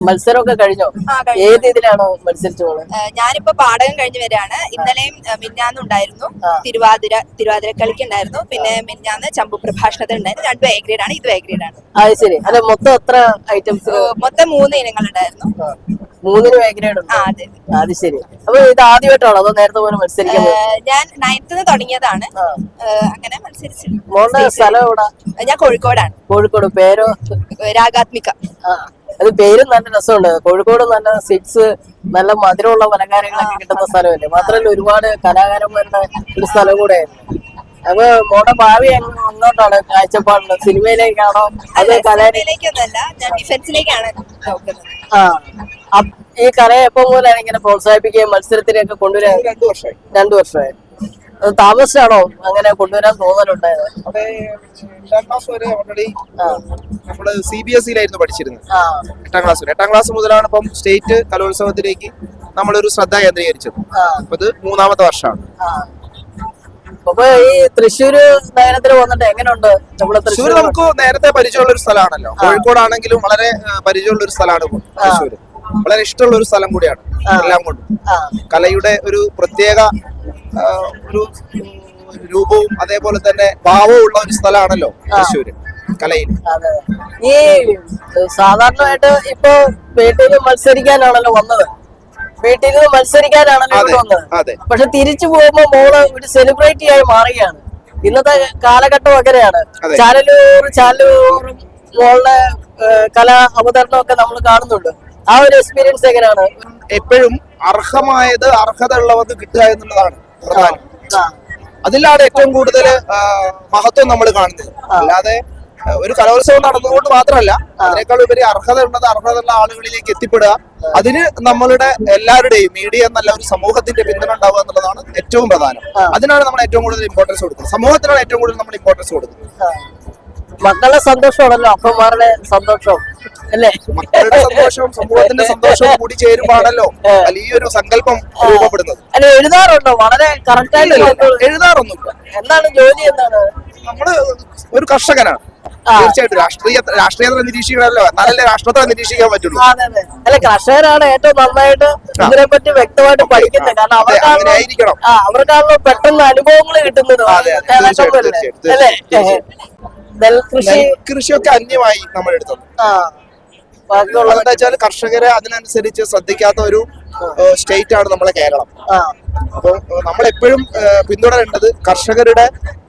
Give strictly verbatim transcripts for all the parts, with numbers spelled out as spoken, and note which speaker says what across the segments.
Speaker 1: മത്സരമൊക്കെ കഴിഞ്ഞോ? ഏത് ഇതിലാണോ മത്സരിച്ചു പോണത്?
Speaker 2: ഞാനിപ്പോ പാടകം കഴിഞ്ഞു വരികയാണ്. ഇന്നലെയും മിന്നാന്നും ഉണ്ടായിരുന്നു തിരുവാതിര തിരുവാതിര കളിക്ക് ഉണ്ടായിരുന്നു. പിന്നെ മിന്നാന്ന് ചമ്പു പ്രഭാഷണത്തിൽ ഉണ്ടായിരുന്നു. രണ്ടും എ ഗ്രേഡ് ആണ്, ഇതും എ ഗ്രേഡ് ആണ്.
Speaker 1: അത് ശരി. അല്ല, മൊത്തം എത്ര ഐറ്റംസ്?
Speaker 2: മൊത്തം മൂന്ന് ഇനങ്ങൾ ഉണ്ടായിരുന്നു.
Speaker 1: മൂന്നിനും എ ഗ്രേഡ് ഉണ്ട്. അത് ശരി. അപ്പൊ ഇത് ആദ്യമായിട്ടാണോ അതോ നേരത്തെ പോലെ മത്സരിക്കുന്നത്?
Speaker 2: ഞാൻ നയൻത്തിന് തുടങ്ങിയതാണ്, അങ്ങനെ മത്സരിച്ചു.
Speaker 1: മോളുടെ സ്ഥലം എവിടെ?
Speaker 2: ഞാൻ കോഴിക്കോടാണ്.
Speaker 1: കോഴിക്കോട്. പേരോ?
Speaker 2: രാഗാത്മിക.
Speaker 1: അത് പേരും നല്ല രസമുണ്ട്. കോഴിക്കോട് നല്ല സിക്സ് നല്ല മധുരമുള്ള പലഹാരങ്ങളൊക്കെ കിട്ടുന്ന സ്ഥലമല്ലേ. മാത്രമല്ല ഒരുപാട് കലാകാരന്മാരുടെ ഒരു സ്ഥലം കൂടെയായിരുന്നു. അപ്പൊ മോടെ ഭാവി അങ്ങോട്ടാണ് കാഴ്ചപ്പാടുള്ളത്? സിനിമയിലേക്കാണോ അത്
Speaker 2: കലയിലേക്കൊന്നല്ല, ഞാൻ ഡിഫൻസിലേക്കാണ് നോക്കുന്നത്.
Speaker 1: ആ, ഈ കലയെ എപ്പോ മുതലാണ് ഇങ്ങനെ പ്രോത്സാഹിപ്പിക്കുകയും മത്സരത്തിലേക്ക് കൊണ്ടുവരാൻ?
Speaker 3: രണ്ടു വർഷമായി
Speaker 1: രണ്ടു വർഷമായി താമസിച്ചാണോ അങ്ങനെ കൊണ്ടുവരാൻ തോന്നലുണ്ടായത്?
Speaker 3: അതെ, എട്ടാം ക്ലാസ് വരെ ഓൾറെഡി നമ്മള് സി ബി എസ് ഇയിലായിരുന്നു പഠിച്ചിരുന്നത്. എട്ടാം ക്ലാസ് വരെ എട്ടാം ക്ലാസ് മുതലാണ് ഇപ്പം സ്റ്റേറ്റ് കലോത്സവത്തിലേക്ക് നമ്മളൊരു ശ്രദ്ധ കേന്ദ്രീകരിച്ചത്. അപ്പൊ ഇത് മൂന്നാമത്തെ വർഷമാണ്.
Speaker 1: അപ്പൊ ഈ തൃശ്ശൂര് നഗരത്തിൽ വന്നിട്ട് എങ്ങനെയുണ്ട്?
Speaker 3: തൃശ്ശൂർ നമുക്ക് നേരത്തെ പരിചയമുള്ള ഒരു സ്ഥലമാണല്ലോ. കോഴിക്കോടാണെങ്കിലും വളരെ പരിചയമുള്ള ഒരു സ്ഥലമാണ് തൃശ്ശൂര്. വളരെ ഇഷ്ടമുള്ള ഒരു സ്ഥലം കൂടിയാണ് എല്ലാം കൊണ്ടും. കലയുടെ ഒരു പ്രത്യേക ഒരു രൂപവും അതേപോലെ തന്നെ ഭാവവും ഉള്ള ഒരു സ്ഥലമാണല്ലോ തൃശ്ശൂര് കലയിൽ.
Speaker 1: ഈ സാധാരണയായിട്ട് ഇപ്പൊ വീട്ടിൽ മത്സരിക്കാനാണല്ലോ വന്നത്, വീട്ടിൽ നിന്ന് മത്സരിക്കാനാണല്ലോ വന്നത്. പക്ഷെ തിരിച്ചു പോകുമ്പോ മോള് ഒരു സെലിബ്രിറ്റി ആയി മാറുകയാണ്. ഇന്നത്തെ കാലഘട്ടം അങ്ങനെയാണ്. ചാനലൂർ ചാനലൂറും മോളുടെ കലാ അവതരണം ഒക്കെ നമ്മൾ കാണുന്നുണ്ട്. ആ ഒരു എക്സ്പീരിയൻസ് എങ്ങനെയാണ്?
Speaker 3: എപ്പോഴും അർഹമായത് അർഹത ഉള്ളവർക്ക് കിട്ടുക എന്നുള്ളതാണ് പ്രധാനം. അതിലാണ് ഏറ്റവും കൂടുതൽ മഹത്വം നമ്മൾ കാണുന്നത്. അല്ലാതെ ഒരു കലോത്സവം നടന്നുകൊണ്ട് മാത്രമല്ല, അതിനേക്കാൾ ഉപരി അർഹത ഉള്ളത് അർഹത ഉള്ള ആളുകളിലേക്ക് എത്തിപ്പെടുക. അതിന് നമ്മളുടെ എല്ലാവരുടെയും മീഡിയ എന്നല്ല ഒരു സമൂഹത്തിന്റെ പിന്തുണ ഉണ്ടാവുക എന്നുള്ളതാണ് ഏറ്റവും പ്രധാനം. അതിനാണ് നമ്മൾ ഏറ്റവും കൂടുതൽ ഇമ്പോർട്ടൻസ് കൊടുക്കുന്നത്. സമൂഹത്തിനാണ് ഏറ്റവും കൂടുതൽ നമ്മൾ ഇമ്പോർട്ടൻസ് കൊടുക്കുന്നത്.
Speaker 1: മക്കളുടെ സന്തോഷമാണല്ലോ അപ്പന്മാരുടെ സന്തോഷം അല്ലേ?
Speaker 3: മക്കളുടെ സന്തോഷവും സമൂഹത്തിന്റെ സന്തോഷവും കൂടി ചേരുമ്പോഴാണല്ലോ വലിയൊരു സങ്കല്പം രൂപപ്പെടുന്നത്.
Speaker 1: അല്ല, എഴുതാറുണ്ടോ? വളരെ കറക്റ്റ് ആയിട്ട്
Speaker 3: എഴുതാറൊന്നുമില്ല.
Speaker 1: എന്താണ് ജോലി? എന്താണ്?
Speaker 3: നമ്മള് ഒരു കർഷകനാണ്. തീർച്ചയായിട്ടും രാഷ്ട്രീയ രാഷ്ട്രീയത്തെ നിരീക്ഷിക്കണമല്ലോ, എന്നാലല്ലേ രാഷ്ട്രത്തെ നിരീക്ഷിക്കാൻ പറ്റുള്ളൂ.
Speaker 1: അല്ല, കർഷകരാണ് ഏറ്റവും നന്നായിട്ട് ഇതിനെ പറ്റി വ്യക്തമായിട്ട് പഠിക്കുന്നത്. കാരണം അവർക്കായിരിക്കണം അവർക്കാണല്ലോ പെട്ടെന്ന് അനുഭവങ്ങൾ കിട്ടുന്നത്. അല്ലേ? നെൽകൃഷി
Speaker 3: കൃഷിയൊക്കെ അന്യമായി നമ്മൾ എടുത്തത്. എന്താ വെച്ചാൽ കർഷകരെ അതിനനുസരിച്ച് ശ്രദ്ധിക്കാത്ത ഒരു സ്റ്റേറ്റ് ആണ് നമ്മളെ കേരളം. അപ്പൊ നമ്മളെപ്പോഴും പിന്തുടരേണ്ടത് കർഷകരുടെ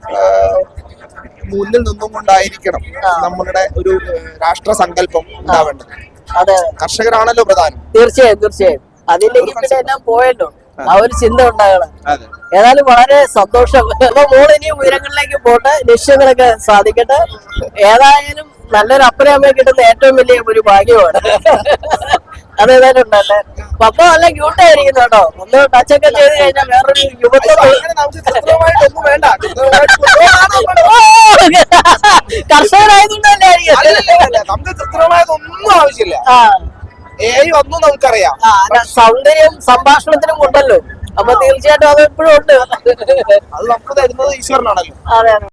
Speaker 3: മുന്നിൽ നിന്നും കൊണ്ടായിരിക്കണം നമ്മളുടെ ഒരു രാഷ്ട്ര സങ്കല്പം ഉണ്ടാവേണ്ടത്. കർഷകരാണല്ലോ പ്രധാനം.
Speaker 1: തീർച്ചയായും തീർച്ചയായും അതിലേക്ക് പിന്നെ എല്ലാം പോയല്ലോ, ആ ഒരു ചിന്ത ഉണ്ടാകണം. ഏതായാലും വളരെ സന്തോഷം. അപ്പൊ മോള് ഇനി ഉയരങ്ങളിലേക്ക് പോട്ടെ, ലക്ഷ്യങ്ങളൊക്കെ സാധിക്കട്ടെ. ഏതായാലും നല്ലൊരു അപ്പനെ അമ്മയെ കിട്ടുന്ന ഏറ്റവും വലിയ ഒരു ഭാഗ്യമാണ്. അതേതായാലും ഉണ്ടല്ലേ. പപ്പ നല്ല ക്യൂട്ടായിരിക്കുന്നു കേട്ടോ. ഒന്ന് ടച്ചൊക്കെ ചെയ്ത് കഴിഞ്ഞാൽ വേറൊരു യുവത്വം. കർഷകരായതുകൊണ്ടല്ലേ
Speaker 3: ഒന്നും ആവശ്യമില്ല. ഒന്നും നമുക്കറിയാം.
Speaker 1: സൗന്ദര്യം സംഭാഷണത്തിനും ഉണ്ടല്ലോ. അപ്പൊ തീർച്ചയായിട്ടും അത് എപ്പോഴും ഉണ്ട്.
Speaker 3: അത് നമുക്ക് തരുന്നത് ഈശ്വരനാണല്ലോ.
Speaker 1: അതെ അതെ.